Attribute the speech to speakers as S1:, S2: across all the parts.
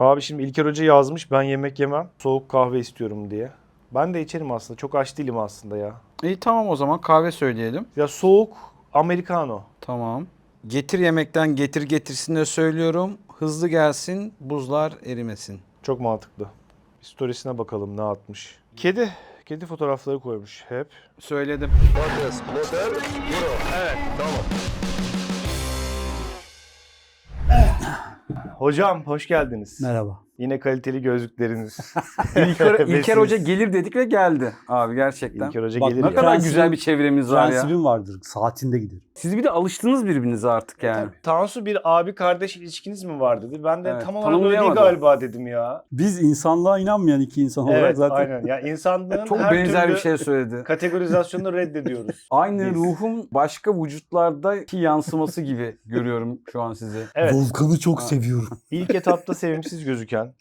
S1: Abi şimdi İlker Hoca yazmış ben yemek yemem. Soğuk kahve istiyorum diye. Ben de içerim aslında. Çok aç değilim aslında ya.
S2: İyi tamam o zaman kahve söyleyelim.
S1: Ya soğuk americano.
S2: Tamam. Getir yemekten getir getirsin de söylüyorum. Hızlı gelsin, buzlar erimesin.
S1: Çok mantıklı. Bir storiesine bakalım ne atmış. Kedi. Kedi fotoğrafları koymuş hep.
S2: Söyledim.
S1: Hocam hoş geldiniz.
S3: Merhaba.
S1: Yine kaliteli gözlükleriniz.
S2: İlker Hoca gelir dedik ve geldi. Abi gerçekten.
S1: İlker Hoca
S3: Bak,
S1: gelir
S2: Ne
S1: ya.
S2: kadar
S3: Prensibim-
S2: güzel bir çevremiz var ya.
S3: Prensibim vardır. Saatinde giderim.
S2: Siz bir de alıştınız birbirinize artık yani.
S1: Tansu bir abi kardeş ilişkiniz mi var dedi. Ben de
S2: Evet,
S1: tam olarak öyle değil
S2: tanımlayamadım.
S1: galiba dedim ya.
S3: Biz insanlığa inanmayan iki insan olarak
S1: Evet
S3: zaten
S1: aynen. Ya insanlığın
S2: Çok
S1: her
S2: benzer
S1: türlü
S2: bir şey söyledi.
S1: kategorizasyonunu reddediyoruz.
S2: Aynı
S1: Biz.
S2: ruhun başka vücutlardaki yansıması gibi görüyorum şu an sizi.
S1: Evet.
S3: Volkan'ı çok
S2: Ha.
S3: seviyorum.
S1: İlk etapta sevimsiz gözüken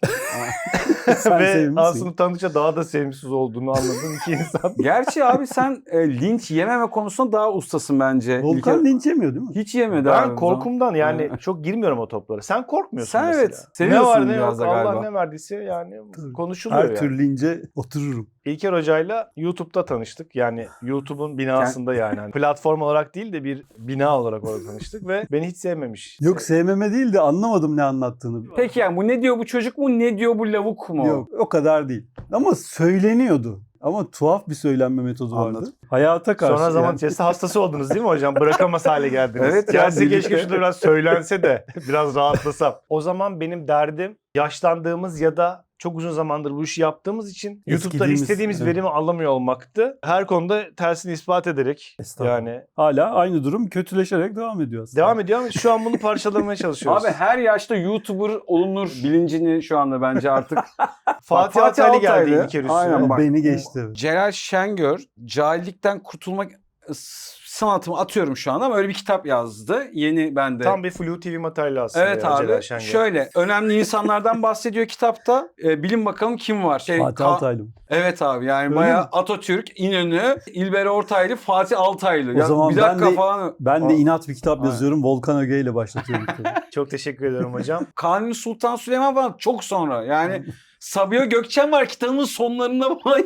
S3: Sen
S1: ve
S3: sevimlisin.
S1: aslında tanıdıkça daha da sevimsiz olduğunu anladığım iki insan.
S2: Gerçi abi sen linç yememe konusunda daha ustasın bence.
S3: Volkan
S2: İlker-
S3: linç yemiyor değil mi?
S2: Hiç yemedi abi.
S1: Ben
S2: o
S1: korkumdan yani
S2: Evet.
S1: çok girmiyorum o toplara. Sen korkmuyorsun
S2: Sen
S1: mesela.
S2: evet, seviyorsun
S1: ne var ne
S2: biraz
S1: yok
S2: da
S1: Allah
S2: galiba.
S1: ne verdiyse yani
S3: Tabii.
S1: konuşuluyor
S3: Her
S1: yani.
S3: türlü lince otururum.
S1: İlker Hoca'yla YouTube'da tanıştık. Yani YouTube'un binasında yani. Hani platform olarak değil de bir bina olarak orada tanıştık ve beni hiç sevmemiş.
S3: Yok sevmeme değil de anlamadım ne anlattığını.
S2: Peki yani bu ne diyor bu çocuk mu ne diyor bu lavuk mu?
S3: Yok o kadar değil. Ama söyleniyordu. Ama tuhaf bir söylenme metodu vardı.
S2: Anladım.
S3: Hayata karşı.
S1: Sonra zaman
S3: yani.
S1: içerisinde hastası oldunuz değil mi hocam? Bırakamaz hale geldiniz.
S2: Evet,
S1: Gelse
S2: birlikte.
S1: keşke şurada biraz söylense de biraz rahatlasam. O zaman benim derdim yaşlandığımız ya da çok uzun zamandır bu işi yaptığımız için YouTube'dan
S3: Eskidiğimiz,
S1: istediğimiz
S3: evet.
S1: verimi alamıyor olmaktı. Her konuda tersini ispat ederek
S3: Estağfurullah.
S1: yani
S3: Hala aynı durum kötüleşerek devam ediyor aslında.
S1: devam ediyor ama şu an bunu parçalamaya çalışıyoruz.
S2: Abi her yaşta YouTuber olunur bilincini şu anda bence artık.
S1: Fatih
S2: Fatih
S1: Altaylı geldi
S2: Altaylı.
S1: İlker üstüne.
S2: Aynen
S3: O
S2: bak.
S3: beni geçti.
S2: Celal Şengör cahillikten kurtulmak sanatımı atıyorum şu an ama öyle bir kitap yazdı. Yeni bende.
S1: Tam bir Flu TV materyali aslında.
S2: Evet
S1: ya, Celal
S2: abi.
S1: Şengör.
S2: Şöyle önemli insanlardan bahsediyor kitapta. Bilin bakalım kim var?
S3: Fatih Altaylı.
S2: Evet abi yani
S3: Öyle
S2: bayağı
S3: mi?
S2: Atatürk, İnönü, İlber Ortaylı, Fatih Altaylı.
S3: O
S2: Ya
S3: zaman
S2: bir dakika
S3: ben de-
S2: falan.
S3: Ben de
S2: Aa.
S3: inat bir kitap
S2: Aynen.
S3: yazıyorum. Volkan Öge ile başlatıyorum kitabı.
S1: Çok teşekkür ederim hocam.
S2: Kanuni Sultan Süleyman falan çok sonra. Yani Sabiha Gökçen var kitabın sonlarında falan.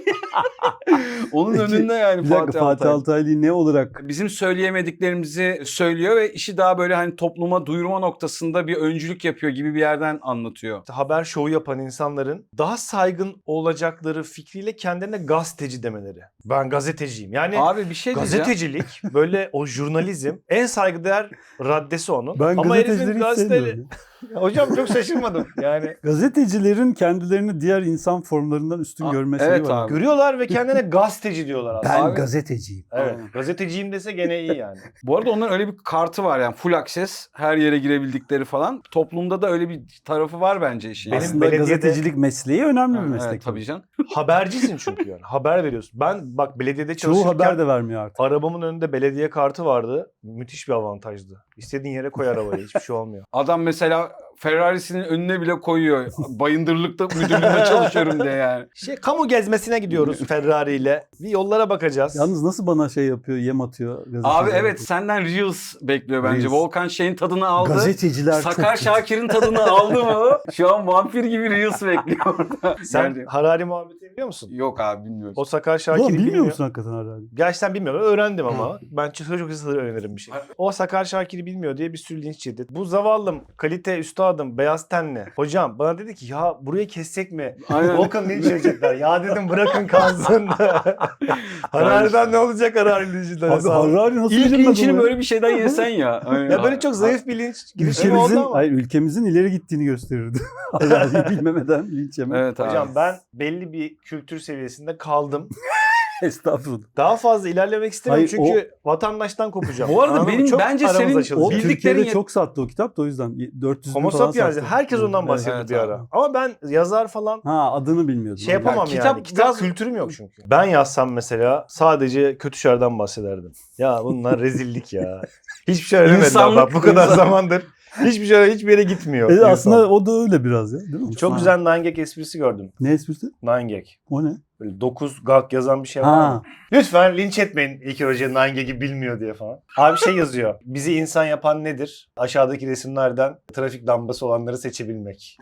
S2: Onun
S3: Peki,
S2: önünde yani
S3: Bir dakika
S2: Fatih
S3: Fatih
S2: Altaylı.
S3: Altaylı'yı ne olarak
S2: Bizim söyleyemediklerimizi söylüyor ve işi daha böyle hani topluma duyurma noktasında bir öncülük yapıyor gibi bir yerden anlatıyor.
S1: Haber şovu yapan insanların daha saygın olacakları fikriyle kendilerine gazeteci demeleri. Ben gazeteciyim. Yani
S2: Abi bir şey diyeceğim.
S1: gazetecilik böyle o jurnalizm en saygıdeğer raddesi onun.
S3: ben
S1: Ama herifin
S3: gazetecileri hiç
S1: gazeteli...
S3: sevmiyorum.
S1: Hocam çok şaşırmadım. Yani
S3: Gazetecilerin kendilerini diğer insan formlarından üstün görme şeyi
S2: evet
S3: var.
S2: abi.
S1: görüyorlar ve kendilerine gazeteci diyorlar aslında.
S3: Ben
S2: Abi-
S3: gazeteciyim.
S1: Evet.
S2: Aynen.
S1: Gazeteciyim dese gene iyi yani.
S2: Bu arada onların öyle bir kartı var yani full access her yere girebildikleri falan. Toplumda da öyle bir tarafı var bence işin.
S1: Benim
S3: Aslında
S1: belediyede-
S3: gazetecilik mesleği önemli bir
S2: Evet,
S3: meslek.
S2: tabii canım.
S1: Habercisin çünkü yani. Haber veriyorsun. Ben bak belediyede
S3: Çoğu
S1: çalışırken
S3: haber de vermiyor artık.
S1: arabamın önünde belediye kartı vardı. Müthiş bir avantajdı. İstediğin yere koy arabayı. Hiçbir şey olmuyor.
S2: Adam mesela Ferrari'sinin önüne bile koyuyor. Bayındırlıkta müdürlüğünde çalışıyorum diye yani.
S1: Kamu gezmesine gidiyoruz Ferrari ile. Bir yollara bakacağız.
S3: Yalnız nasıl bana şey yapıyor, yem atıyor gazeteciler?
S2: Abi evet senden Reels bekliyor bence.
S3: Reels.
S2: Volkan şeyin tadını aldı.
S3: Gazeteciler çok
S2: Sakar
S3: kötü.
S2: Şakir'in tadını aldı mı? Şu an vampir gibi Reels bekliyor orada.
S1: Sen
S2: Yani-
S1: Harari muhabbetini biliyor musun?
S2: Yok abi bilmiyorum.
S1: O Sakar
S3: Ulan
S1: Şakir'i
S3: bilmiyor
S1: bilmiyor.
S3: musun hakikaten herhalde?
S1: Gerçekten bilmiyorum. Öğrendim ama. Ben çok hızlı öğrenirim bir şey. O Sakar Şakir'i bilmiyor diye bir sürü linç yedi. Bu zavallım, kalite üstadım, beyaz tenli. Hocam bana dedi ki ya burayı kessek mi?
S2: Aynen.
S1: Volkan linç edecekler. Ya dedim bırakın kalsın. Harari'den ne olacak Harari linçinden
S3: Abi
S1: hesabı?
S3: Harari nasıl
S2: İlk
S3: bilinmez
S2: linçini
S3: ama ya?
S2: böyle bir şeyden yesen ya. Aynen.
S1: Ya böyle çok zayıf bir linç girişimi oldu
S3: Ülkemizin,
S1: ama.
S3: hayır, ülkemizin ileri gittiğini gösterirdi. Harari'yi bilmemeden linç yemek.
S2: Evet abi.
S1: Hocam ben belli bir kültür seviyesinde kaldım.
S3: Estağfurullah.
S1: Daha fazla ilerlemek istemiyorum
S3: Hayır,
S1: çünkü vatandaştan kopacağım.
S2: Bu arada
S1: Anladın mı?
S2: benim
S1: Çok
S2: bence
S1: aramız
S2: senin
S1: açılacak.
S3: O
S2: Bildiklerin
S3: Türkiye'de
S2: yet-
S3: çok sattı o kitap da o yüzden 400 bin
S1: Homo
S3: falan
S1: sapiens
S3: sattı.
S1: herkes ondan
S3: Evet.
S1: bahsediyor
S2: Evet
S1: bir ara.
S2: abi.
S1: Ama ben yazar falan
S3: Ha adını bilmiyordum.
S1: şey yapamam
S2: kitap
S1: yani. Kitap
S2: biraz-
S1: kültürüm yok çünkü. Ben yazsam mesela sadece kötü şerden bahsederdim. Ya bunlar rezillik ya. Hiçbir şey öğrenemediler
S2: İnsanlık-
S1: bak bu kadar
S2: insan-
S1: zamandır. Hiçbir yere gitmiyor.
S3: Aslında
S1: insan.
S3: o da öyle biraz ya değil mi?
S1: Çok
S2: Ha.
S1: güzel Nine Gag esprisi gördüm.
S3: Ne esprisi?
S1: Nine Gag.
S3: O ne?
S1: Böyle 9 Galk yazan bir şey var
S3: Ha.
S1: mı? Lütfen linç etmeyin İlker Hoca'nın hangi gibi bilmiyor diye falan. Abi şey yazıyor. Bizi insan yapan nedir? Aşağıdaki resimlerden trafik lambası olanları seçebilmek.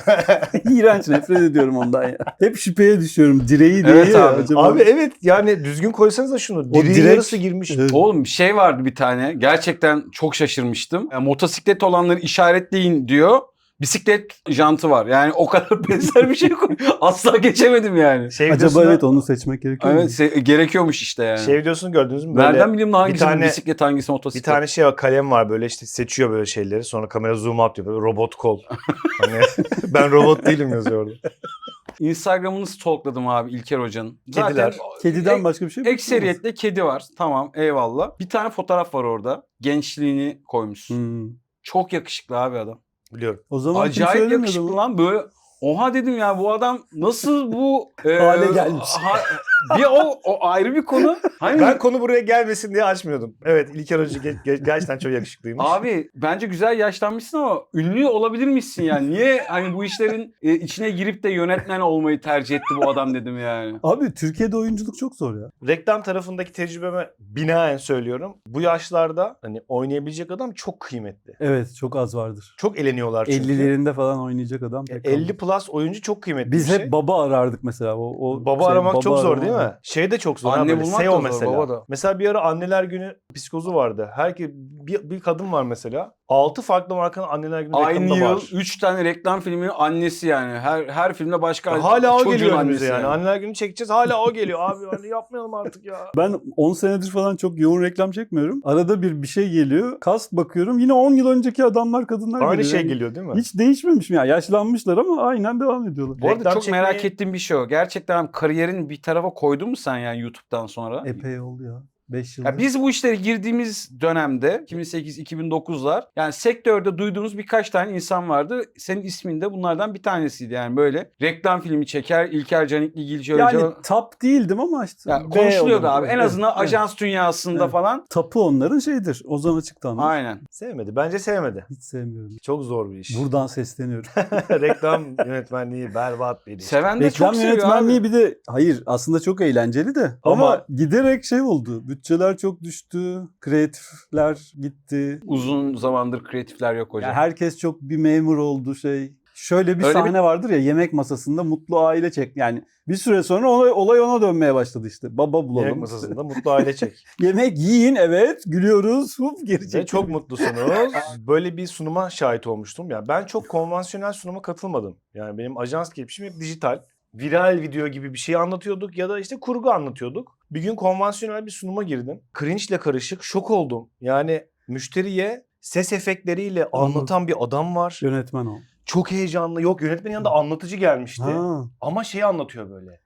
S3: İğrenç, nefret ediyorum ondan ya. Hep şüpheye düşüyorum. Direği diye
S2: Evet
S3: ya
S2: abi.
S3: acaba.
S1: Abi evet yani düzgün koysanız da şunu. Direğin
S3: direkt-
S1: yarısı girmiş.
S3: Evet.
S2: Oğlum bir şey vardı bir tane. Gerçekten çok şaşırmıştım. Yani motosiklet olanları işaretleyin diyor. Bisiklet jantı var. Yani o kadar benzer bir şey koy. Asla geçemedim yani.
S1: Şey
S3: Acaba
S1: videosunu-
S3: evet onu seçmek gerekiyor mu?
S2: Evet gerekiyormuş işte yani.
S1: Şey videosunu gördünüz mü? Böyle
S2: Nereden bileyim hangisi
S1: bir tane-
S2: bisiklet hangisi
S1: bir
S2: motosiklet?
S1: tane şey var, kalem var böyle işte seçiyor böyle şeyleri. Sonra kamera zoom out diyor. Böyle robot kol. Hani ben robot değilim yazıyor orada.
S2: Instagram'ını stalkladım abi İlker Hoca'nın.
S1: Kediler.
S2: Zaten
S3: Kediden başka bir şey mi?
S2: ekseriyetle kedi var. Tamam eyvallah. Bir tane fotoğraf var orada. Gençliğini koymuşsun.
S3: Hmm.
S2: Çok yakışıklı abi adam.
S1: Biliyorum.
S3: O zaman kim
S2: Acayip
S3: söylemiyordu
S2: yakışıklı
S3: bunu?
S2: lan böyle. Oha dedim ya bu adam nasıl bu
S3: Hale gelmiş.
S2: Bir o ayrı bir konu. Hani
S1: Ben konu buraya gelmesin diye açmıyordum. Evet İlker Hoca gerçekten çok yakışıklıymış.
S2: abi bence güzel yaşlanmışsın ama ünlü olabilir misin yani? Niye hani bu işlerin içine girip de yönetmen olmayı tercih etti bu adam dedim yani.
S3: Abi Türkiye'de oyunculuk çok zor ya.
S1: Reklam tarafındaki tecrübeme binaen söylüyorum. Bu yaşlarda hani oynayabilecek adam çok kıymetli.
S3: Evet çok az vardır.
S1: Çok eleniyorlar çünkü.
S3: 50'lerinde falan oynayacak adam. pek
S1: 50
S3: kalmadı.
S1: plus oyuncu çok kıymetli
S3: Biz
S1: bir şey.
S3: hep baba arardık mesela. O
S1: Baba
S3: şey,
S1: aramak çok zor
S3: arama-
S1: değil mi? Şey de çok zor.
S2: Anne
S1: ha, böyle
S2: bulmak da
S1: SEO
S2: zor,
S1: mesela.
S2: baba da.
S1: Mesela bir ara anneler günü psikozu vardı. Herkes bir kadın var mesela. 6 farklı markanın anneler günü
S2: Aynı
S1: reklamında
S2: yıl
S1: var.
S2: 3 tane reklam filminin annesi yani. Her filmde başka
S1: Hala o
S2: çocuğun
S1: geliyor
S2: annesi
S1: önümüze yani. Anneler günü çekeceğiz. Hala o geliyor. Abi hani yapmayalım artık ya.
S3: Ben 10 senedir falan çok yoğun reklam çekmiyorum. Arada bir şey geliyor. Kast bakıyorum. Yine 10 yıl önceki adamlar, kadınlar
S1: Aynı
S3: geliyor.
S1: şey
S3: Yani
S1: geliyor değil mi?
S3: hiç değişmemiş mi ya? Yaşlanmışlar ama aynen devam ediyorlar.
S2: Bu arada
S1: Reklam
S2: çok merak
S1: çekmeyi-
S2: ettiğim bir şey o. Gerçekten kariyerin bir tarafa koydun mu sen yani YouTube'dan sonra?
S3: Epey oldu ya. 5 yıl.
S2: Ya biz bu işlere girdiğimiz dönemde 2008-2009'lar yani sektörde duyduğumuz birkaç tane insan vardı. Senin ismin de bunlardan bir tanesiydi yani böyle reklam filmi çeker İlker Canikli Gilci
S3: yani
S2: Hoca.
S3: top değildim ama işte.
S2: Yani
S3: B
S2: konuşuluyordu
S3: oldum.
S2: abi. En
S3: Evet,
S2: azından
S3: evet.
S2: ajans dünyasında
S3: Evet.
S2: falan.
S3: Tapu onların şeydir. Ozan Açık'tan.
S2: Aynen.
S1: Sevmedi. Bence sevmedi.
S3: Hiç sevmiyorum.
S1: Çok zor bir iş.
S3: Buradan sesleniyorum.
S1: Reklam yönetmenliği berbat bir iş.
S2: Seven de
S3: Reklam
S2: çok seviyor
S3: yönetmenliği
S2: abi.
S3: bir de hayır aslında çok eğlenceli de ama
S1: Ama-
S3: giderek şey oldu. Bütçeler çok düştü. Kreatifler gitti.
S2: Uzun zamandır kreatifler yok hocam.
S3: Yani herkes çok bir memur oldu şey. Şöyle bir
S2: Öyle
S3: sahne vardır ya, yemek masasında mutlu aile çek. Yani bir süre sonra olay ona dönmeye başladı işte. Baba bulalım.
S1: Yemek masasında mutlu aile çek.
S3: Yemek yiyin, evet, gülüyoruz. Hop geri
S1: Ve
S3: çek.
S1: çok mutlusunuz. Böyle bir sunuma şahit olmuştum. Yani ben çok konvansiyonel sunuma katılmadım. Yani benim ajans geçmişim hep dijital. Viral video gibi bir şey anlatıyorduk ya da işte kurgu anlatıyorduk. Bir gün konvansiyonel bir sunuma girdim. Cringe'le karışık şok oldum. Yani müşteriye ses efektleriyle anlatan bir adam var.
S3: Yönetmen o.
S1: Çok heyecanlı. Yok, yönetmenin yanında anlatıcı gelmişti.
S3: Ha.
S1: Ama şeyi anlatıyor böyle.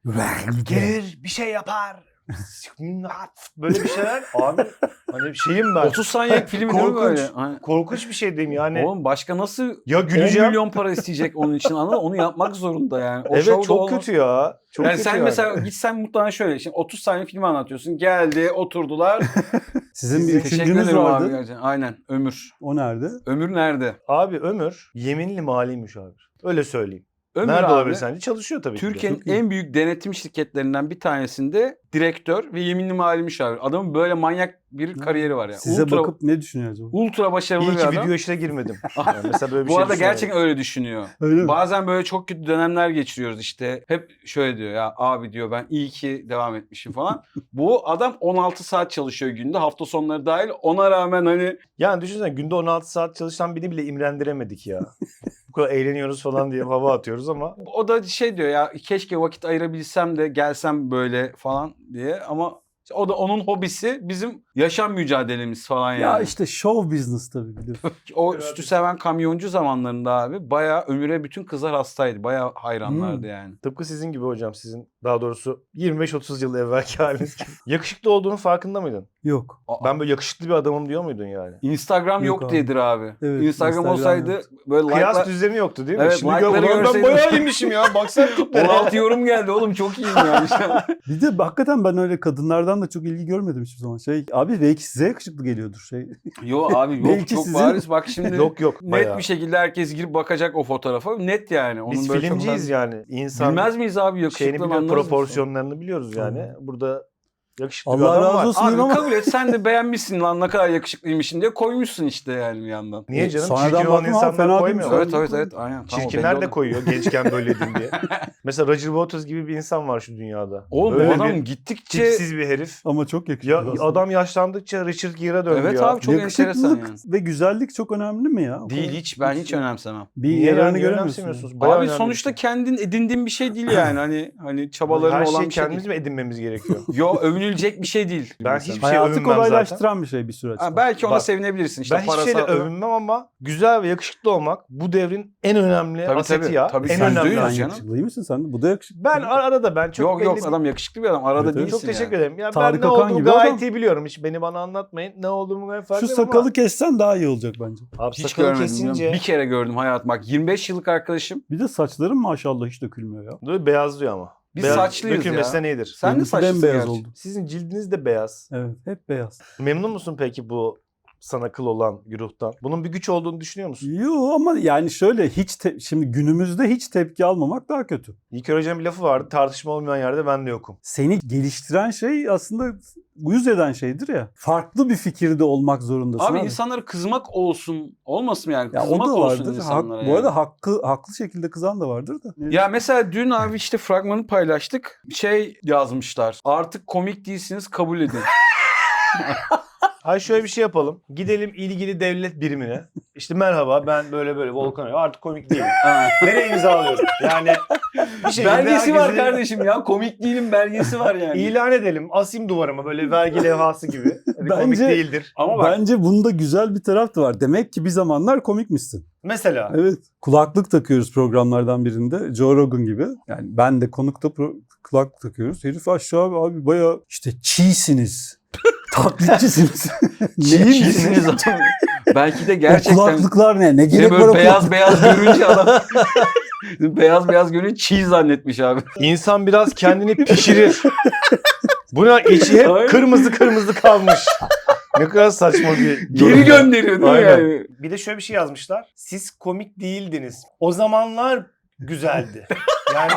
S1: Gelir bir şey yapar. Böyle bir şeyler. Abi hani şeyim ben.
S2: 30 saniyelik film değil mi
S1: Korkunç.
S2: böyle? Aynen.
S1: Korkunç bir şey diyeyim yani.
S2: Oğlum başka nasıl
S1: Ya
S2: 10
S1: güleceğim.
S2: milyon para isteyecek onun için anladın mı? Onu yapmak zorunda yani. O
S1: Evet
S2: şovda
S1: çok
S2: olmaz.
S1: kötü ya. Çok
S2: Yani
S1: kötü
S2: sen
S1: yani.
S2: mesela gitsen muhtemelen şöyle. Şimdi 30 saniye film anlatıyorsun. Geldi, oturdular.
S3: Sizin bir
S2: Teşekkür
S3: üçüncünüz
S2: ederim
S3: vardı.
S2: abi gerçekten. Aynen. Ömür.
S3: O nerede?
S2: Ömür nerede?
S1: Abi Ömür yeminli mali müşavir. Öyle söyleyeyim.
S2: Ömür
S1: Nerede
S2: abi,
S1: olabilir sence? Çalışıyor tabii ki de.
S2: Türkiye'nin
S3: Çok iyi.
S2: en büyük denetim şirketlerinden bir tanesinde direktör ve yeminli mali müşavir. Adamın böyle manyak bir kariyeri var ya.
S3: Size
S2: ultra,
S3: bakıp ne düşünüyor acaba?
S2: ultra başarılı
S1: İyi
S2: bir
S1: ki
S2: adam.
S1: video işine girmedim. Yani mesela böyle bir
S2: Bu
S1: şey
S2: arada
S1: düşünüyorum.
S2: gerçekten öyle düşünüyor.
S3: Öyle mi?
S2: Bazen böyle çok kötü dönemler geçiriyoruz işte. Hep şöyle diyor ya abi diyor ben iyi ki devam etmişim falan. Bu adam 16 saat çalışıyor günde hafta sonları dahil. Ona rağmen hani
S1: Yani düşünsene günde 16 saat çalışan biri bile imrendiremedik ya. Bu kadar eğleniyoruz falan diye hava atıyoruz ama
S2: o da şey diyor ya keşke vakit ayırabilsem de gelsem böyle falan diye ama o da onun hobisi bizim yaşam mücadelemiz falan yani.
S3: Ya işte show business tabii biliyorsun.
S2: O sütü seven kamyoncu zamanlarında abi bayağı Ömür'e bütün kızlar hastaydı. Bayağı hayranlardı yani.
S1: tıpkı sizin gibi hocam, sizin daha doğrusu 25-30 yıl evvelki haliniz gibi. Yakışıklı olduğunun farkında mıydın?
S3: Yok.
S1: Ben böyle yakışıklı bir adamım diyor muydun yani?
S2: Instagram
S3: Yok
S2: yok
S3: abi.
S2: diyedir abi.
S3: Evet,
S2: Instagram
S3: Instagram
S2: olsaydı
S3: yok.
S2: böyle
S1: Kıyas
S2: like'lar...
S1: düzlemi yoktu değil mi?
S2: Evet,
S1: Şimdi
S2: like'ları
S1: gör, ulan ben
S2: görseydin-
S1: bayağı iyiymişim ya. Baksana tiplere.
S2: 16 yorum geldi oğlum çok iyiyim yani.
S3: Bir de hakikaten ben öyle kadınlardan da çok ilgi görmedim hiçbir zaman. Şey abi belki size yakışıklı geliyordur şey.
S2: Yo abi yok
S3: Belki
S2: çok
S3: sizin-
S2: bariz bak şimdi
S1: Yok yok
S2: net
S1: bayağı.
S2: bir şekilde herkes girip bakacak o fotoğrafa. Net yani. Onun
S1: Biz
S2: böyle çok
S1: filmciyiz
S2: fazla-
S1: yani. İnsan
S2: Bilmez miyiz abi
S1: şeyini
S2: yakışıklığın
S1: biliyor tabii
S2: anlarız biz
S1: proporsiyonlarını biliyoruz yani.
S3: Tamam.
S1: Burada yakışıklı bir
S3: Allah
S1: adam
S3: razı
S1: var.
S3: olsun.
S2: Abi
S3: Ama-
S2: kabul et, sen de beğenmişsin lan ne kadar yakışıklıymışsın diye koymuşsun işte yani bir yandan.
S1: Niye canım?
S3: Sonradan
S1: Çirkin olan
S3: baktım ama
S1: insanları
S3: fena
S1: koymuyor.
S3: değilmiş.
S2: Evet aynen. Tamam,
S1: Çirkinler
S2: belli
S1: de
S2: oldu.
S1: koyuyor gençken böyleydin diye. Mesela Roger Waters gibi bir insan var şu dünyada.
S2: Oğlum
S1: Böyle
S2: bu adam
S1: bir
S2: gittikçe...
S1: tipsiz bir herif.
S3: Ama çok yakışıklı.
S1: Ya
S3: aslında.
S1: adam yaşlandıkça Richard Gere'a döndü
S2: Evet
S1: ya.
S2: abi, çok enteresan
S3: Yakışıklılık
S2: yani.
S3: ve güzellik çok önemli mi ya? O
S2: Değil
S3: kadar-
S2: hiç, ben hiç önemsemem.
S3: Bir
S1: Niye
S3: yararını
S1: yani
S3: göremiyorsun.
S1: önemsemiyorsunuz? Bayağı
S2: Abi
S1: önemli
S2: sonuçta
S1: bir şey.
S2: kendin edindiğin bir şey değil yani. Hani çabaların
S1: Her
S2: olan
S1: şeyi
S2: bir şey
S1: kendimiz
S2: değil.
S1: mi edinmemiz gerekiyor?
S2: Yo, övünülecek bir şey değil.
S1: Ben
S2: Mesela.
S1: hiçbir şey
S3: Hayatı
S1: övünmem
S3: kolaylaştıran bir şey bir süreç.
S2: Ha, belki ona
S1: Bak,
S2: sevinebilirsin işte
S1: Ben hiçbir şeyle
S2: parasal
S1: övünmem ama güzel ve yakışıklı olmak bu devrin en önemli
S2: Tabii,
S1: aseti
S2: tabii.
S1: ya.
S2: Tabii,
S1: en
S2: sen
S1: önemli
S2: duyuyorsun
S1: aseti.
S2: canım.
S3: yakışıklı değil misin sen? Bu da yakışıklı.
S1: Ben arada ben çok
S2: Yok
S1: belli
S2: yok,
S1: bir-
S2: adam yakışıklı bir adam. Arada
S3: Evet, evet.
S2: değilsin
S1: Çok teşekkür
S2: yani.
S1: ederim. Ya
S3: Tarık
S1: ben ne
S3: Akan
S1: olduğumu
S3: gibi
S1: gayet
S3: adam.
S1: iyi biliyorum. Hiç beni bana anlatmayın. Ne olduğumu gayet
S3: Şu
S1: farkındayım
S3: sakalı
S1: ama.
S3: kessen daha iyi olacak bence.
S1: Abi
S2: Hiç
S1: sakalı
S2: görmedim.
S1: kesince
S2: Bir kere gördüm hayatım. Bak 25 yıllık arkadaşım.
S3: Bir de saçların maşallah hiç dökülmüyor ya.
S1: böyle beyazlıyor ama.
S2: Biz
S1: Beyaz-
S2: saçlıyız
S1: dökülmesine
S2: ya.
S1: iyidir.
S2: Sen de
S3: Benimki
S2: saçlısın
S3: bembeyaz
S2: gerçi.
S3: oldu.
S1: Sizin cildiniz de beyaz.
S3: Evet, hep beyaz.
S1: Memnun musun peki bu sana kıl olan güruhtan? Bunun bir güç olduğunu düşünüyor musun?
S3: Yo ama yani şöyle şimdi günümüzde hiç tepki almamak daha kötü.
S1: İlker Hoca'nın bir lafı vardı. Tartışma olmayan yerde ben de yokum.
S3: Seni geliştiren şey aslında uyuz eden şeydir ya. Farklı bir fikirde olmak zorundasın.
S2: Abi insanlara kızmak olmasın yani.
S3: ya o
S2: Kızmak
S3: da
S2: olsun
S3: vardır.
S2: insanlara
S3: Bu arada
S2: yani.
S3: haklı şekilde kızan da vardır da.
S2: Ya mesela dün abi işte fragmanı paylaştık. Şey yazmışlar. Artık komik değilsiniz, kabul edin.
S1: Hayır şöyle bir şey yapalım. Gidelim ilgili devlet birimine. İşte merhaba ben böyle Volkan Hoca. Artık komik değilim. Nereye imzalıyorum? Yani bir şekilde
S2: Belgesi var
S1: herkesin-
S2: kardeşim ya. Komik değilim belgesi var yani.
S1: İlan edelim. Asayım duvarıma böyle vergi levhası gibi. Hadi komik
S3: Bence-
S1: değildir.
S2: Ama bak
S3: Bence bunda güzel bir taraf da var. Demek ki bir zamanlar komikmişsin.
S1: Mesela.
S3: Evet. Kulaklık takıyoruz programlardan birinde. Joe Rogan gibi. Yani ben de konukta kulaklık takıyoruz. Herif aşağı abi bayağı işte çiğsiniz. Taklitçisiniz.
S2: çiğsiniz abi. Belki de
S3: O
S2: gerçekten
S3: kulaklıklar ne? Ne
S2: seni
S3: gerek var
S2: böyle
S3: o
S2: beyaz görünce adam beyaz görünce çiğ zannetmiş abi.
S1: İnsan biraz kendini pişirir. Buna içi hep
S2: Aynen.
S1: kırmızı kalmış. Ne kadar saçma bir
S2: Geri
S1: yorum ya.
S2: gönderiyor değil mi
S1: Aynen.
S2: yani?
S1: Bir de şöyle bir şey yazmışlar. Siz komik değildiniz. O zamanlar güzeldi. Yani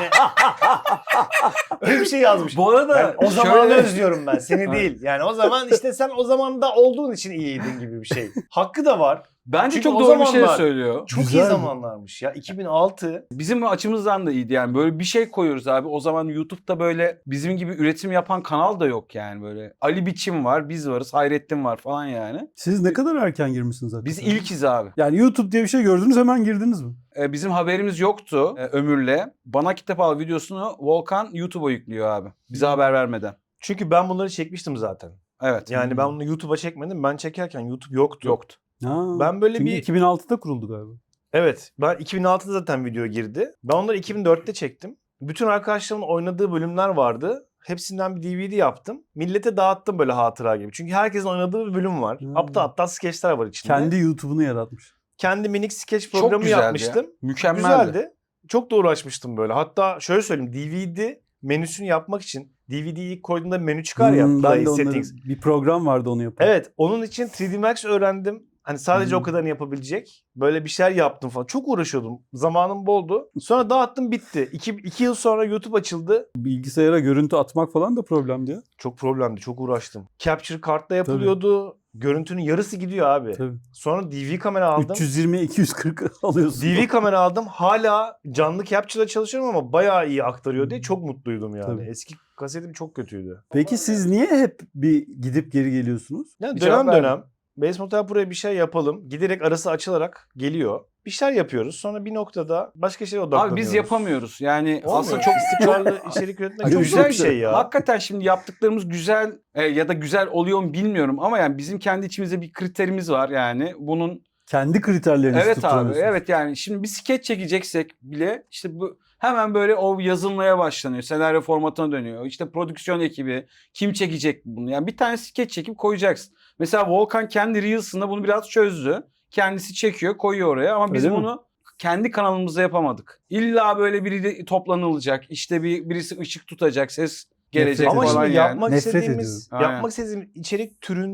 S1: öyle bir şey yazmış.
S2: Bu arada
S1: Yani o zamanı
S2: şöyle-
S1: özlüyorum ben. Seni değil. Yani o zaman işte sen o zamanda olduğun için iyiydin gibi bir şey. Hakkı da var.
S2: Bence
S1: Çünkü
S2: çok
S1: o
S2: doğru bir şey
S1: zamanlar-
S2: söylüyor.
S1: Çok
S3: Güzel
S1: iyi
S3: mi?
S1: zamanlarmış ya. 2006.
S2: Bizim açımızdan da iyiydi yani. Böyle bir şey koyuyoruz abi. O zaman YouTube'da böyle bizim gibi üretim yapan kanal da yok yani böyle. Ali Biçim var, biz varız, Hayrettin var falan yani.
S3: Siz ne kadar erken girmişsiniz hakikaten.
S2: Biz ilkiz abi.
S3: Yani YouTube diye bir şey gördünüz hemen girdiniz mi?
S2: Bizim haberimiz yoktu Ömür'le. Bana Kitap Al videosunu Volkan YouTube'a yüklüyor abi. Bize haber vermeden.
S1: Çünkü ben bunları çekmiştim zaten.
S2: Evet.
S1: Yani ben bunu YouTube'a çekmedim. Ben çekerken YouTube yoktu.
S2: Yoktu.
S3: Ha,
S1: Ben böyle
S3: çünkü
S1: bir-
S3: 2006'da kuruldu galiba.
S1: Evet. Ben 2006'da zaten video girdi. Ben onları 2004'te çektim. Bütün arkadaşlarımın oynadığı bölümler vardı. Hepsinden bir DVD yaptım. Millete dağıttım böyle hatıra gibi. Çünkü herkesin oynadığı bir bölüm var.
S3: Hmm.
S1: Aptal skeçler var içinde.
S3: Kendi YouTube'unu yaratmış.
S1: Kendi minik skeç
S2: Çok
S1: programı
S2: güzeldi
S1: yapmıştım.
S2: ya. Mükemmeldi.
S1: Güzeldi. Çok da uğraşmıştım böyle. Hatta şöyle söyleyeyim. DVD menüsünü yapmak için DVD'yi ilk koyduğunda menü çıkar ya.
S3: Ben
S1: Play
S3: de onları,
S1: settings.
S3: bir program vardı onu yapan.
S1: Evet. Onun için 3D Max öğrendim. Hani sadece o kadarını yapabilecek. Böyle bir şeyler yaptım falan. Çok uğraşıyordum. Zamanım boldu. Sonra dağıttım bitti. 2 yıl sonra YouTube açıldı.
S3: Bilgisayara görüntü atmak falan da problemdi ya.
S1: Çok problemdi. Çok uğraştım. Capture kartla yapılıyordu. Görüntünün yarısı gidiyor abi.
S3: Tabii.
S1: Sonra DV kamera aldım.
S3: 320'ye 240 alıyorsun.
S1: DV kamera aldım. Hala canlı capture'da çalışıyorum ama bayağı iyi aktarıyor diye çok mutluydum yani.
S3: Tabii.
S1: Eski kasetim çok kötüydü.
S3: Peki siz niye hep bir gidip geri geliyorsunuz?
S1: Yani
S2: Bir
S1: dönem
S2: cevap
S1: dönem Base Motel buraya bir şey yapalım. Giderek arası açılarak geliyor. Bir şeyler yapıyoruz. Sonra bir noktada başka şeye odaklanıyoruz.
S2: Abi biz yapamıyoruz. Yani
S1: Olmuyor.
S2: aslında çok
S1: istikrarlı içerik üretmek
S3: Ay,
S1: çok
S3: güzel
S1: zor bir şey ya.
S2: Hakikaten şimdi yaptıklarımız güzel ya da güzel oluyor mu bilmiyorum ama yani bizim kendi içimizde bir kriterimiz var yani. Bunun
S3: Kendi kriterlerinizi
S2: evet abi
S3: tutturamıyorsunuz.
S2: evet yani şimdi bir skeç çekeceksek bile işte bu hemen böyle o yazılmaya başlanıyor. Senaryo formatına dönüyor. İşte prodüksiyon ekibi kim çekecek bunu? Yani bir tane skeç çekip koyacaksın. Mesela Volkan kendi Reels'ında bunu biraz çözdü. Kendisi çekiyor, koyuyor oraya ama biz
S3: Öyle mi?
S2: bunu kendi kanalımızda yapamadık. İlla böyle biri de toplanılacak. İşte birisi ışık tutacak, ses gelecek
S3: Nefret
S1: Ama
S2: falan
S1: şimdi
S2: yani.
S1: yapmak
S3: Nefret
S1: istediğimiz
S2: ediyorum.
S1: yapmak istediğimiz içerik türünün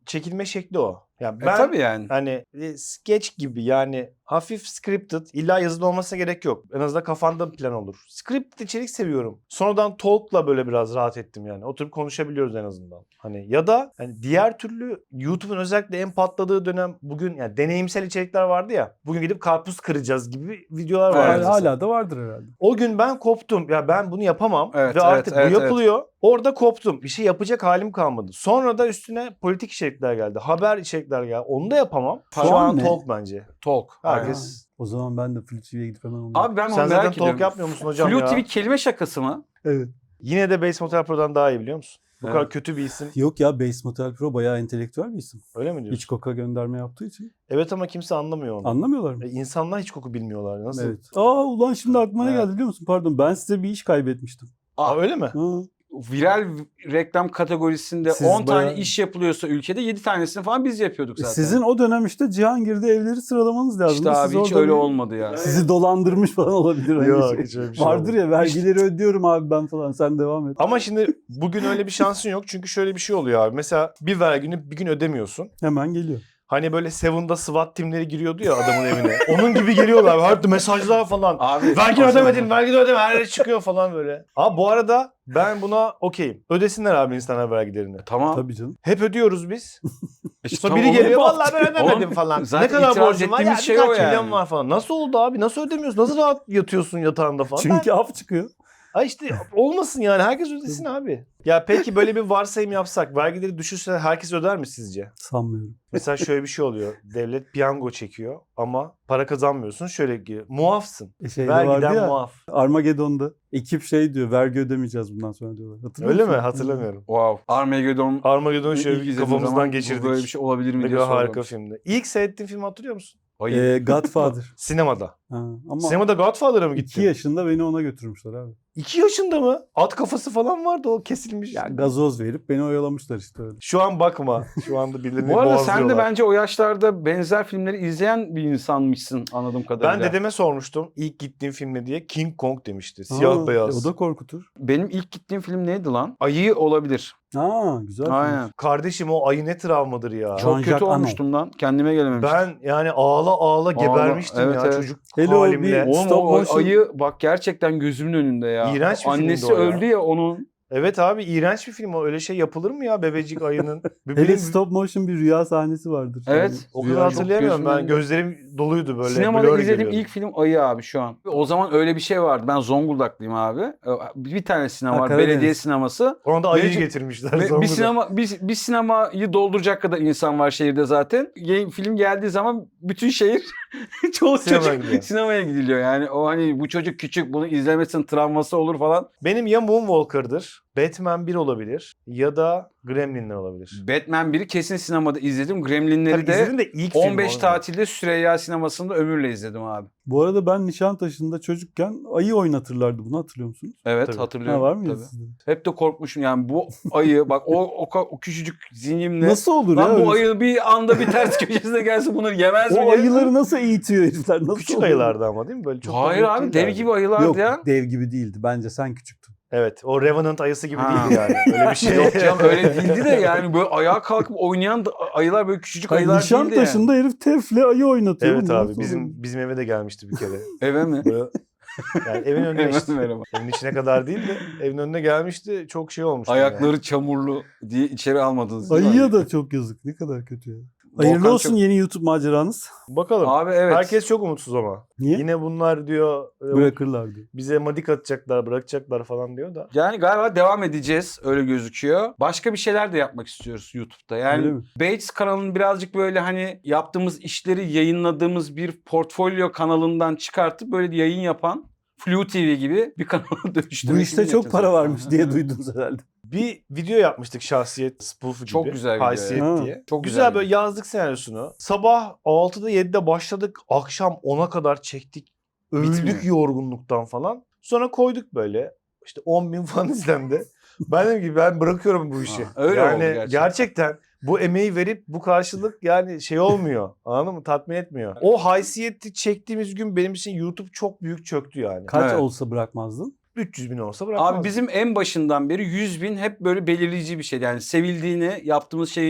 S1: çekilme şekli o. Yani
S2: Tabii yani.
S1: hani sketch gibi yani hafif scripted, illa yazılı olmasına gerek yok. En azından kafanda plan olur. Scripted içerik seviyorum. Sonradan talk'la böyle biraz rahat ettim yani. Oturup konuşabiliyoruz en azından. Hani ya da hani diğer türlü YouTube'un özellikle en patladığı dönem bugün yani deneyimsel içerikler vardı ya. Bugün gidip karpuz kıracağız gibi videolar var.
S2: Evet,
S3: Hala da vardır herhalde.
S1: O gün ben koptum. Ya ben bunu yapamam
S2: Evet,
S1: ve
S2: evet,
S1: artık
S2: evet,
S1: bu yapılıyor. Orada koptum. Bir şey yapacak halim kalmadı. Sonra da üstüne politik içerikler geldi. Haber içerikler geldi. Onu da yapamam.
S3: Şu
S1: Şu
S3: an
S1: an
S3: ne?
S1: talk bence.
S2: Talk.
S1: Herkes.
S3: O zaman ben de Flu TV'ye gidip hemen onu.
S2: Abi ben
S1: Sen
S2: onu
S1: zaten
S2: merak
S1: talk
S2: ediyorum.
S1: yapmıyor musun hocam
S2: Flu
S1: ya?
S2: TV kelime şakası mı?
S3: Evet.
S1: Yine de Base Motel Pro'dan daha iyi biliyor musun? Bu
S2: Evet.
S1: kadar kötü bir isim.
S3: Yok ya, Base Motel Pro bayağı entelektüel bir isim.
S1: Öyle mi diyorsun?
S3: Hitchcock'a gönderme yaptığı için.
S1: Evet ama kimse anlamıyor onu.
S3: Anlamıyorlar mı?
S1: İnsanlar hiç koku bilmiyorlar. Nasıl?
S3: Evet. Ulan şimdi aklıma ne
S2: Evet.
S3: geldi biliyor musun? Pardon, ben size bir iş kaybetmiştim.
S1: Öyle mi?
S3: Ha.
S2: Viral reklam kategorisinde
S3: Siz
S2: 10 tane
S3: bayağı-
S2: iş yapılıyorsa ülkede 7 tanesini falan biz yapıyorduk zaten.
S3: Sizin o dönem işte Cihangir'de evleri sıralamanız lazım.
S2: işte abi hiç öyle olmadı ya.
S3: Sizi dolandırmış falan olabilir. hani
S1: Yok
S3: şey.
S1: hiç öyle bir şey
S3: Vardır
S1: olmadı.
S3: ya, vergileri ödüyorum abi ben falan, sen devam et.
S1: Ama şimdi bugün öyle bir şansın yok. Çünkü şöyle bir şey oluyor abi. Mesela bir vergini bir gün ödemiyorsun.
S3: Hemen geliyor.
S1: Hani böyle Seven'da SWAT timleri giriyordu ya adamın evine. Onun gibi geliyorlar. Her mesajlar falan.
S2: Abi
S1: Vergi
S2: aslında-
S1: ödemedin, vergi de ödeme. Her yere çıkıyor falan böyle. Abi bu arada ben buna okeyim. Ödesinler abi insanlar vergilerini.
S2: Tamam.
S3: Tabii canım.
S1: Hep ödüyoruz biz.
S2: İşte
S1: Sonra
S2: tam
S1: biri
S2: onu
S1: geliyor
S2: yaptık.
S1: vallahi ben ödemedim
S2: Oğlum,
S1: falan.
S2: zaten
S1: Ne kadar
S2: itiraz
S1: borcum var? Ya
S2: ettiğimiz şey
S1: birkaç
S2: o yani.
S1: milyon var falan. Nasıl oldu abi? Nasıl ödemiyorsun? Nasıl rahat yatıyorsun yatağında falan?
S3: Çünkü af çıkıyor.
S1: Ha işte olmasın yani. Herkes ödesin abi. Ya peki böyle bir varsayım yapsak. Vergileri düşürse herkes öder mi sizce?
S3: Sanmıyorum.
S1: Mesela şöyle bir şey oluyor. Devlet piyango çekiyor ama para kazanmıyorsun. Şöyle ki muafsın.
S3: Şeyde vardı
S1: Vergiden
S3: ya,
S1: muaf.
S3: Armageddon'da ekip şey diyor, vergi ödemeyeceğiz bundan sonra diyorlar. Hatırlıyor
S1: Öyle mi?
S3: musun?
S1: Hatırlamıyorum.
S2: Wow. Armageddon
S1: Armageddon'u
S2: ilk
S1: şöyle
S2: izlediğim
S1: kafamızdan
S2: zaman
S1: geçirdik.
S2: bu böyle bir şey olabilir mi
S1: Ne
S2: diye
S1: kadar harika
S2: sorgulamıştım.
S1: filmdi. İlk seyrettiğin filmi hatırlıyor musun?
S2: Hayır.
S3: Godfather.
S1: Sinemada.
S3: Ha, ama
S1: Sinemada Godfather'a mı
S3: 2
S1: gittin?
S3: yaşında beni ona götürmüşler abi.
S1: 2 yaşında mı? At kafası falan vardı o kesilmiş.
S3: Ya gazoz verip beni oyalamışlar işte öyle.
S1: Şu an bakma. Şu anda birilerini
S2: Bu arada
S1: boğazlıyorlar.
S2: sen de bence o yaşlarda benzer filmleri izleyen bir insanmışsın anladığım kadarıyla.
S1: Ben dedeme sormuştum ilk gittiğim film ne diye. King Kong demişti. Siyah
S3: Ha,
S1: beyaz.
S3: O da korkutur.
S2: Benim ilk gittiğim film neydi lan? Ayı olabilir.
S3: Ha, güzel.
S2: Aynen.
S3: film.
S1: Kardeşim o ayı ne travmadır ya.
S2: Çok kötü
S3: Jean-Jacques
S2: olmuştum lan. Kendime gelememiştim.
S1: Ben yani ağla gebermiştim
S2: evet,
S1: ya
S2: evet.
S1: çocuk
S3: Hele o
S1: halimle.
S3: bir-
S2: Oğlum
S3: Stop
S2: o
S3: motion.
S2: ayı bak gerçekten gözümün önünde ya.
S1: İğrenç bir
S2: Annesi
S1: filmdi o ya.
S2: öldü ya onun.
S1: Evet abi iğrenç bir film o. Öyle şey yapılır mı ya bebecik ayının?
S3: Hele
S1: Benim
S3: stop motion bir rüya sahnesi vardır.
S2: Evet.
S1: o
S3: rüya-
S1: kadar hatırlayamıyorum
S2: gözümün
S1: ben.
S2: önünde.
S1: Gözlerim doluydu böyle.
S2: Sinemada
S1: blur
S2: izlediğim
S1: geliyordu.
S2: ilk film Ayı abi şu an. O zaman öyle bir şey vardı. Ben Zonguldaklıyım abi. Bir tane sinema
S3: Ha,
S2: var.
S3: Karadeniz.
S2: Belediye sineması.
S1: Ona da ayıyı
S2: Neyse,
S1: getirmişler.
S2: Ve bir
S1: Zonguldak.
S2: sinema bir sinemayı dolduracak kadar insan var şehirde zaten. Film geldiği zaman bütün şehir çoluk
S1: Sinemaya
S2: çocuk
S1: gidiyor.
S2: sinemaya gidiliyor. Yani o hani bu çocuk küçük bunu izlemesin travması olur falan.
S1: Benim ya Moonwalker'dır, Batman 1 olabilir ya da Gremlinler olabilir.
S2: Batman 1'i kesin sinemada izledim. Gremlinleri
S1: Tabii
S2: de
S1: izledim de ilk film
S2: 15
S1: oğlum.
S2: tatilde Süreyya sinemasında ömürle izledim abi.
S3: Bu arada ben Nişantaşı'nda çocukken ayı oynatırlardı, bunu hatırlıyor musunuz?
S2: Evet
S1: Tabii.
S2: hatırlıyorum.
S3: Ha, var mıydı
S2: Tabii.
S3: sizde?
S2: Hep de korkmuşum yani bu ayı bak o küçücük zihnimle.
S3: Nasıl olur
S2: Lan
S3: ya?
S2: bu
S3: öyle?
S2: ayı bir anda bir ters köşesine gelse bunu yemez mi?
S3: O
S2: diye.
S3: ayıları nasıl eğitiyor herifler? Nasıl
S1: Küçük
S3: oluyor?
S1: ayılardı ama değil mi? Böyle çok da
S2: Hayır
S1: büyük
S2: abi dev
S1: değillerdi.
S2: gibi ayılardı
S3: Yok,
S2: ya.
S3: dev gibi değildi. Bence sen küçüktün.
S1: Evet o Revenant ayısı gibi
S2: Ha.
S1: değildi yani. Öyle bir şey.
S2: Yok canım öyle değildi de yani böyle ayağa kalkıp oynayan ayılar böyle küçücük
S3: Hayır,
S2: ayılar değildi yani.
S3: Nişantaşı'nda herif tefle ayı oynatıyor.
S1: Evet
S3: Bu
S1: abi
S3: nasıl olur?
S1: bizim eve de gelmişti bir kere.
S2: Eve mi?
S1: Böyle, yani evin önüne işte.
S2: Merhaba.
S1: Evin içine kadar değil de evin önüne gelmişti. Çok şey olmuştu.
S2: Ayakları çamurlu diye içeri almadınız değil mi?
S3: Ayıya da çok yazık. Ne kadar kötü ya. Hayırlı
S2: Volkan
S3: olsun
S2: çok-
S3: yeni YouTube maceranız.
S1: Bakalım.
S2: Abi evet.
S1: Herkes çok umutsuz ama.
S3: Niye?
S1: Yine bunlar diyor
S3: Bırakırlar diyor.
S1: bize madik atacaklar, bırakacaklar falan diyor da.
S2: Yani galiba devam edeceğiz öyle gözüküyor. Başka bir şeyler de yapmak istiyoruz YouTube'da.
S3: Öyle
S2: Yani
S3: mi?
S2: Bates kanalının birazcık böyle hani yaptığımız işleri yayınladığımız bir portfolyo kanalından çıkartıp böyle yayın yapan Flu TV gibi bir kanala dönüştürmek
S3: Bu işte
S2: için
S3: çok para
S2: yapacağız.
S3: varmış diye duydunuz herhalde.
S1: Bir video yapmıştık şahsiyet spoofu gibi.
S2: Çok güzel video
S1: Haysiyet
S3: ya.
S1: diye.
S2: Çok
S1: güzel
S2: güzel
S1: böyle yazdık senaryosunu. Sabah 6'da 7'de başladık. Akşam 10'a kadar çektik. Öldük
S2: Bitmiyor.
S1: yorgunluktan falan. Sonra koyduk böyle. İşte 10.000 falan izlendi. Ben dedim ki ben bırakıyorum bu işi.
S2: Ha, öyle
S1: yani
S2: oldu gerçekten.
S1: gerçekten bu emeği verip bu karşılık yani şey olmuyor. Anladın mı? Tatmin etmiyor. O haysiyeti çektiğimiz gün benim için YouTube çok büyük çöktü yani.
S3: Kaç
S2: Evet.
S3: olsa bırakmazdın?
S1: 300.000 olsa bırakmazdım.
S2: Abi bizim en başından beri 100.000 hep böyle belirleyici bir şey. Yani sevildiğini, yaptığımız şeyin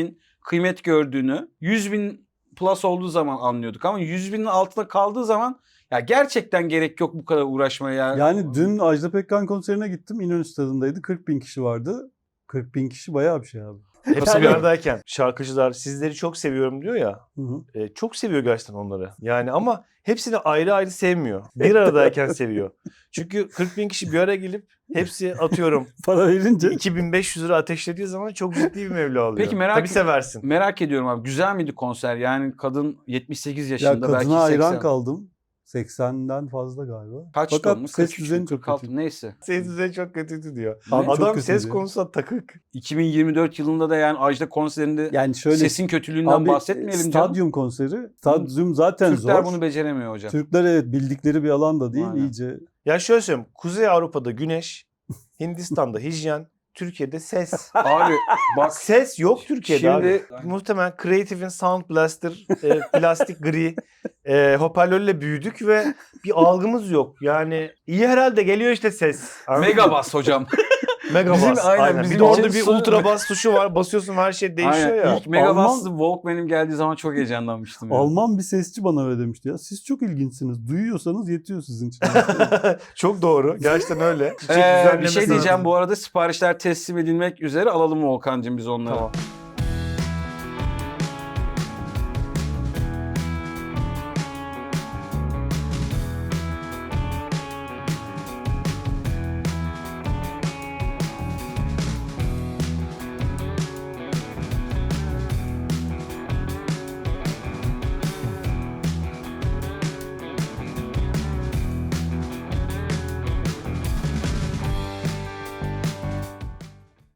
S2: kıymet gördüğünü 100.000 plus olduğu zaman anlıyorduk ama 100.000'in altında kaldığı zaman ya gerçekten gerek yok bu kadar uğraşmaya ya.
S3: Yani dün Ajda Pekkan konserine gittim. İnönü Stadı'ndaydı. 40.000 kişi vardı. 40.000 kişi bayağı bir şey abi.
S1: Hepsi bir aradayken şarkıcılar sizleri çok seviyorum diyor ya.
S3: Hı hı.
S1: Çok seviyor gerçekten onları. Yani ama hepsini ayrı ayrı sevmiyor. Bir aradayken seviyor. Çünkü 40.000 kişi bir araya gelip hepsi atıyorum
S3: Para verince
S1: 2500 lira ateşlediği zaman çok ciddi bir meblağ oluyor.
S2: Peki
S1: Tabii seversin.
S2: Merak ediyorum abi. Güzel miydi konser? Yani kadın 78
S3: ya
S2: yaşında belki
S3: kadına
S2: 80.
S3: hayran kaldım. 80'den fazla galiba.
S2: Kaç
S3: Fakat
S2: tonlu?
S3: ses
S2: 43
S3: düzeni
S2: mü?
S3: çok
S2: 46
S3: kötü.
S2: mı? Neyse.
S1: Ses düzeyi çok kötüydü diyor.
S3: Abi çok
S1: Adam
S3: kötü
S1: ses
S3: diyor.
S1: konusunda takık.
S2: 2024 yılında da yani Ajda konserinde
S3: Yani şöyle
S2: sesin kötülüğünden
S3: abi,
S2: bahsetmeyelim canım.
S3: stadyum konseri. Stadyum zaten
S2: Türkler
S3: zor.
S2: bunu beceremiyor hocam.
S3: Türkler evet bildikleri bir alan da değil.
S2: Aynen.
S3: İyice
S1: Ya şöyle söyleyeyim. Kuzey Avrupa'da güneş, Hindistan'da hijyen, Türkiye'de ses.
S2: Abi bak
S1: Ses yok Türkiye'de
S2: şimdi
S1: abi. Muhtemelen Creative'in Sound Blaster, plastik gri hoparlörle büyüdük ve bir algımız yok. Yani iyi herhalde geliyor işte ses. Anladın mı?
S2: Megabas hocam.
S1: Megabas.
S2: Bizim- aynen,
S1: Aynen.
S2: bizim
S1: Bir de orada
S2: için
S1: bir
S2: son-
S1: ultra bas tuşu var. Basıyorsun her şey değişiyor
S2: Aynen.
S1: ya.
S2: İlk Megabas'lı Walkman'im geldiği zaman çok heyecanlanmıştım. ya.
S3: Alman bir sesçi bana öyle demişti ya. Siz çok ilginçsiniz. Duyuyorsanız yetiyor sizin için.
S1: Çok doğru. Gerçekten öyle. Çiçek
S2: Bir
S1: düzenlemesi
S2: şey diyeceğim
S1: lazım.
S2: bu arada siparişler teslim edilmek üzere alalım Volkan'cığım biz onları.
S1: Tamam.